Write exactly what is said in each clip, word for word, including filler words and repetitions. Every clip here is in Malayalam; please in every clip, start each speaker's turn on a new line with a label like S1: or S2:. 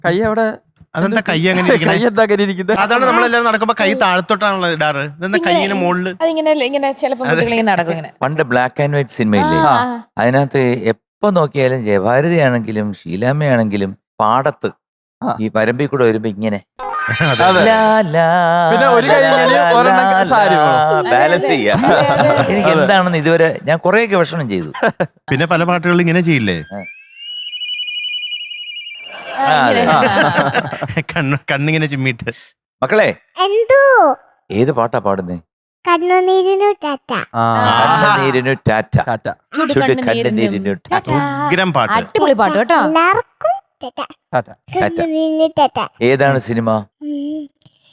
S1: കൈ അവിടെ
S2: അതെന്താ കൈ അങ്ങനെ
S1: കൈ എന്താ അങ്ങനെ ഇരിക്കുന്നത്?
S2: അതാണ് നമ്മളെല്ലാരും നടക്കുമ്പോ കൈ താഴത്തോട്ടാണല്ലോ ഇടാറ്. ഇതെന്താ കൈയിന് മുകളില്?
S3: അതിങ്ങനെ ഇങ്ങനെ ചിലപ്പോ കുട്ടികളിങ്ങനെ നടക്കും ഇങ്ങനെ.
S4: പണ്ട് ബ്ലാക്ക് ആൻഡ് വൈറ്റ് സിനിമയില്ലേ,
S3: ആ,
S4: അതിനകത്ത് എപ്പോ നോക്കിയാലും ജയഭാരതിയാണെങ്കിലും ഷീലാമ്മയാണെങ്കിലും പാടത്ത്
S1: ആ.
S4: ഈ പരമ്പിൽ കൂടെ വരുമ്പോ ഇങ്ങനെ
S1: അതെ.
S4: ലാ, ലാ,
S1: പിന്നെ ഒരു കൈ ഇങ്ങനെ
S4: ലാ,
S1: ഒരെണ്ണം
S4: ലാ,
S1: സാരി വേണം.
S4: ബാലൻസ് ചെയ്യാ.
S3: അതെ, അതെ, അതെ.
S4: എനിക്ക് എന്താണെന്ന് ഇതുവരെ ഞാൻ കുറെ ഗവേഷണം ചെയ്തു.
S2: പിന്നെ പല പാട്ടുകളിൽ ഇങ്ങനെ ചെയ്യില്ലേ,
S3: ആ, ഇങ്ങനെ.
S2: കണ്ണ് കണ്ണിങ്ങനെ ചിമ്മിട്ട്.
S4: മക്കളെ
S5: എന്തോ
S4: ഏത് പാട്ടാ പാടുന്നേ?
S5: കണ്ണുനീരിനു ടാറ്റ.
S1: ആ,
S4: കണ്ണുനീരിനു ടാറ്റ,
S1: ടാറ്റ.
S3: ചുടു
S4: ചുടു
S3: കണ്ണുനീരിനും
S4: കണ്ണുനീരിനു ടാറ്റ.
S2: ഉഗ്രം പാട്ട്.
S3: അടിപൊളി പാട്ട് കേട്ടോ.
S5: എല്ലാവർക്കും ടാറ്റ.
S1: ടാറ്റ.
S5: കണ്ണുനീരിനു ടാറ്റ.
S4: ഏതാണ് സിനിമ?
S5: ഉം.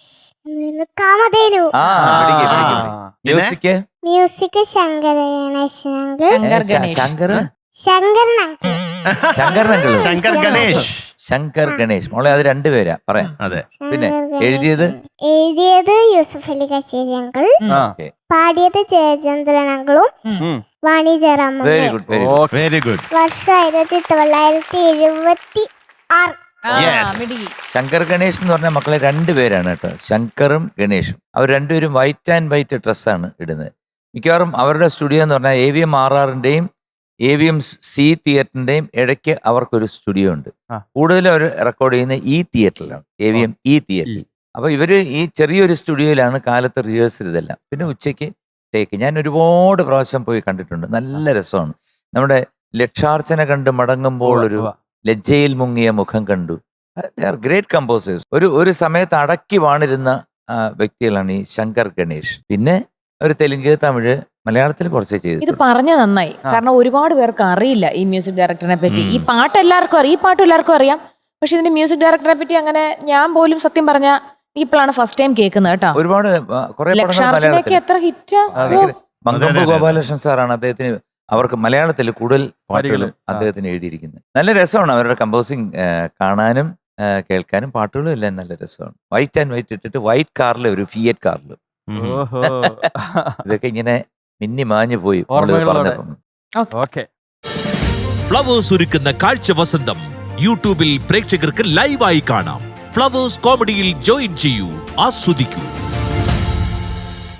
S5: ഉം, കാമധേനു.
S4: ആ പിടിക്ക്, പിടിക്ക്,
S1: ആ.
S4: പിടിക്ക്. മ്യൂസിക്
S5: മ്യൂസിക് ശങ്കര ഗണേശനങ്കിൾ.
S3: ശങ്കർ ഗണേഷ്.
S4: ശങ്കർ
S5: ശങ്കരനങ്കിൾ.
S4: ശങ്കരനങ്കിള്
S2: ശങ്കർ ഗണേഷ്.
S4: ശങ്കർ ഗണേഷ്. മോളെ അത് രണ്ടുപേരാ പറയാം.
S2: അതെ.
S4: പിന്നെ
S5: ശങ്കർ
S4: എഴുതിയത്?
S5: ഗണേശൻ. എഴുതിയത് യൂസഫ് അലി കശ്ശേരി അങ്കിൾ.
S1: ആ.
S5: പാടിയത് ജയചന്ദ്രൻ അങ്കിളും
S1: ഉം.
S5: Vani Jayaram.
S4: Very good, very good.
S1: Okay.
S2: Very good.
S5: വർഷം ആയിരത്തി തൊള്ളായിരത്തി എഴുപത്തി ആറ്.
S3: ആ,
S2: Yes.
S3: മിടുക്കി.
S4: ശങ്കർ ഗണേഷ് എന്ന് പറഞ്ഞ മക്കളെ രണ്ടുപേരാണ് കേട്ടോ, ശങ്കറും ഗണേഷും. അവർ രണ്ടുപേരും വൈറ്റ് ആൻഡ് വൈറ്റ് ഡ്രസ്സാണ് ഇടുന്നത്. മിക്കവാറും അവരുടെ സ്റ്റുഡിയോ എന്ന് പറഞ്ഞാൽ എ വി എം ആർ ആറിന്റെയും എ വി എം സി തിയേറ്ററിന്റെയും ഇടയ്ക്ക് അവർക്കൊരു സ്റ്റുഡിയോ ഉണ്ട്.
S1: ആ.
S4: കൂടുതലും അവർ റെക്കോർഡ് ചെയ്യുന്ന ഈ തിയേറ്ററിലാണ്, എ വി എം ഇ തിയേറ്ററിൽ. അപ്പൊ ഇവര് ഈ ചെറിയൊരു സ്റ്റുഡിയോയിലാണ് കാലത്ത് റിഹേഴ്സൽ ഇതെല്ലാം. പിന്നെ ഉച്ചയ്ക്ക് ടേക്ക്. ഞാൻ ഒരുപാട് പ്രാവശ്യം പോയി കണ്ടിട്ടുണ്ട്. നല്ല രസമാണ്. നമ്മുടെ ലക്ഷാർച്ചന കണ്ട് മടങ്ങുമ്പോൾ ഒരു
S1: ഉവ്വ.
S4: ലജ്ജയിൽ മുങ്ങിയ മുഖം കണ്ടു. Great composers. ഒരു ഒരു സമയത്ത് അടക്കി വാണിരുന്ന ആ, വ്യക്തികളാണ് ഈ ശങ്കർ ഗണേഷ്. പിന്നെ ഒരു തെലുങ്ക്, തമിഴ്, മലയാളത്തിൽ കുറച്ചേ
S3: ഇത്
S4: ചെയ്തു.
S3: പറഞ്ഞ നന്നായി. കാരണം ഒരുപാട് പേർക്ക് അറിയില്ല ഈ മ്യൂസിക് ഡയറക്ടറിനെ പറ്റി. ഈ പാട്ട് എല്ലാവർക്കും അറിയാം, ഈ പാട്ട് എല്ലാവർക്കും അറിയാം. പക്ഷെ ഇതിന്റെ മ്യൂസിക് ഡയറക്ടറെ പറ്റി അങ്ങനെ ഞാൻ പോലും സത്യം പറഞ്ഞ ഇപ്പോഴാണ് ഫസ്റ്റ് ടൈം കേൾക്കുന്നത് കേട്ടോ.
S4: ഒരുപാട് ആ, കുറെ പടങ്ങൾ
S3: ലക്ഷാർച്ചനയൊക്കെ
S4: മലയാളത്തിൽ.
S3: എത്ര ഹിറ്റ്.
S4: മങ്കമ്പ്
S2: അതെ, അതെ.
S4: ഗോപാലകൃഷ്ണൻ സാറാണ് അദ്ദേഹത്തിന് അവർക്ക് മലയാളത്തിൽ കൂടുതൽ പാട്ടുകൾ
S1: വരികളും, ആ.
S4: അദ്ദേഹത്തിന് എഴുതിയിരിക്കുന്നത്. നല്ല രസമാണ് അവരുടെ കമ്പോസിങ് കാണാനും ആ, കേൾക്കാനും. പാട്ടുകളും എല്ലാം നല്ല രസമാണ്. വൈറ്റ് ആൻഡ് വൈറ്റ് ഇട്ടിട്ട് വൈറ്റ് കാറിൽ ഒരു ഫിയറ്റ് കാറിൽ
S2: ഉം.
S1: ഓഹോ.
S4: ഇതൊക്കെ ഇങ്ങനെ മിന്നി മാഞ്ഞു പോയി മോള്
S1: ഓർമ്മകളോടെ.
S4: പറഞ്ഞപ്പം.
S1: ഓക്കെ.
S6: ഫ്ലവേഴ്സ് ഒരുക്കുന്ന കാഴ്ച വസന്തം യൂട്യൂബിൽ പ്രേക്ഷകർക്ക് ലൈവായി കാണാം. ഫ്ലവേഴ്സ് കോമഡിയിൽ ജോയിൻ ചെയ്യൂ, ആസ്വദിക്കൂ.